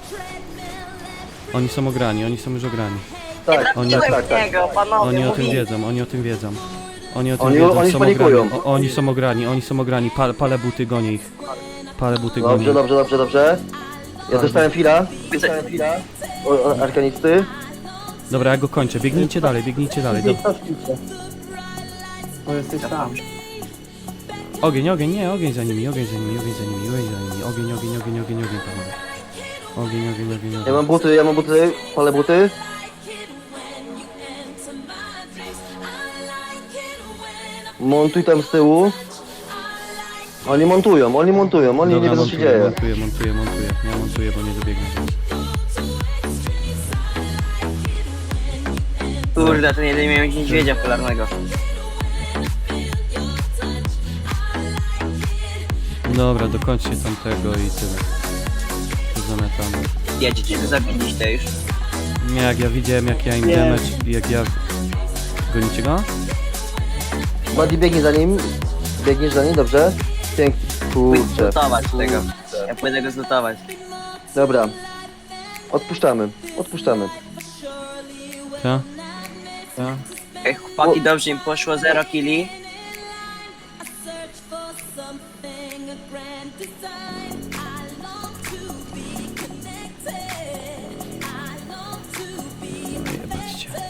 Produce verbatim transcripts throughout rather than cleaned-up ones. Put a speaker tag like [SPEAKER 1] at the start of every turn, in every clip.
[SPEAKER 1] Oni są ograni, oni są już ograni.
[SPEAKER 2] Tak,
[SPEAKER 1] Oni-
[SPEAKER 2] tak, tak, tak.
[SPEAKER 3] Niego, panowie,
[SPEAKER 1] Oni o tym
[SPEAKER 3] mówi.
[SPEAKER 1] wiedzą, oni o tym wiedzą. Oni o tym
[SPEAKER 2] Oni-
[SPEAKER 1] wiedzą,
[SPEAKER 2] oni
[SPEAKER 1] są
[SPEAKER 2] panikują.
[SPEAKER 1] ograni. O, oni są ograni, oni są ograni. Pal, palę buty, gonię ich. Palę buty, gonię
[SPEAKER 2] Dobrze,
[SPEAKER 1] ich.
[SPEAKER 2] dobrze, dobrze, dobrze. Ja dostałem fila. Dostałem fila. O, o, arkanisty.
[SPEAKER 1] Dobra, ja go kończę. Biegnijcie dalej, biegnijcie dalej. Do...
[SPEAKER 4] Bo jesteś sam.
[SPEAKER 1] Ogień, ogień, nie, ogień za nimi, ogień za nimi, ogień za nimi, ogień za nimi. Ogień, ogień, ogień, ogień, ogień, panowie. Ogień, ogień, ogień,
[SPEAKER 2] Ja
[SPEAKER 1] ogień.
[SPEAKER 2] mam buty, ja mam buty. Palę buty. Montuj tam z tyłu. Oni montują, oni montują, oni nie
[SPEAKER 1] Dobra,
[SPEAKER 2] wiedzą co się
[SPEAKER 1] montuję,
[SPEAKER 2] dzieje.
[SPEAKER 1] montuję, montuję, montuję. Ja montuję, bo nie dobiegnę.
[SPEAKER 3] Kurde, to nie miałem niedźwiedzia polarnego.
[SPEAKER 1] Dobra, dokończcie tamtego i tyle. Zamiatamy.
[SPEAKER 3] Jedziecie, to zabiliście już.
[SPEAKER 1] Nie, jak ja widziałem jak ja im
[SPEAKER 4] Nie.
[SPEAKER 1] damage, jak ja... Gonicie go?
[SPEAKER 2] Buddy biegnie za nim. Biegniesz za nim, dobrze? Pięknie.
[SPEAKER 3] Pójdę
[SPEAKER 2] Kurczę.
[SPEAKER 3] zlutować tego. Ja pójdę go zlutować.
[SPEAKER 2] Dobra. Odpuszczamy, odpuszczamy.
[SPEAKER 1] Co?
[SPEAKER 4] Tak.
[SPEAKER 3] Ej, chłopaki, dobrze im poszło, zero killi.
[SPEAKER 1] Jebać cię.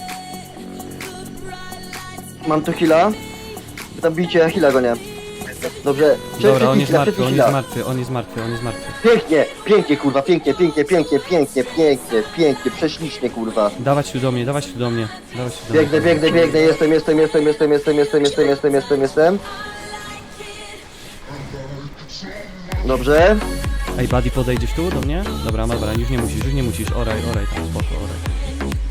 [SPEAKER 2] Mam tu heala. Tam bicie, ja heala go nie. Dobrze.
[SPEAKER 1] Dobra, on jest
[SPEAKER 2] heala,
[SPEAKER 1] martwy, on
[SPEAKER 2] heala.
[SPEAKER 1] jest martwy, on jest martwy, on jest martwy.
[SPEAKER 2] Pięknie, pięknie kurwa, pięknie, pięknie, pięknie, pięknie, pięknie, pięknie, prześlicznie kurwa.
[SPEAKER 1] Dawać tu do mnie, dawać tu do mnie. Dawać tu do mnie.
[SPEAKER 2] Biegnę, biegnę, biegnę, jestem, jestem, jestem, jestem, jestem, jestem, jestem, jestem, jestem, jestem. Dobrze.
[SPEAKER 1] Ej, Buddy, podejdziesz tu do mnie? Dobra, dobra, już nie musisz, już nie musisz. Oraj, oraj, tam spoko, oraj.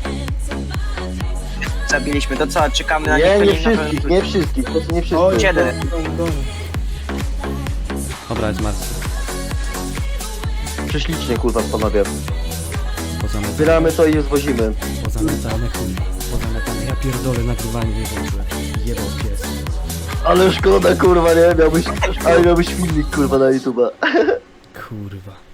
[SPEAKER 3] Zabiliśmy, to co, czekamy na
[SPEAKER 2] Nie,
[SPEAKER 3] nich,
[SPEAKER 2] nie
[SPEAKER 3] pewnie na
[SPEAKER 2] wszystkich,
[SPEAKER 3] pewno-
[SPEAKER 2] nie wszystkich, po prostu nie
[SPEAKER 4] Oj,
[SPEAKER 2] wszystkich.
[SPEAKER 3] Siedem.
[SPEAKER 4] goń, goń.
[SPEAKER 1] Dobra, jest martwy.
[SPEAKER 2] Prześlicznie kurwa panowie.
[SPEAKER 1] Pozamiatane,
[SPEAKER 2] Zbieramy to i zwozimy.
[SPEAKER 1] pozamiatane, kurwa. Pozamiatane. Ja pierdolę nagrywanie, nie włączyłem. Jebał pies.
[SPEAKER 2] Ale szkoda kurwa, nie? Miałbyś, ale miałbyś filmik kurwa na YouTube'a.
[SPEAKER 1] Kurwa.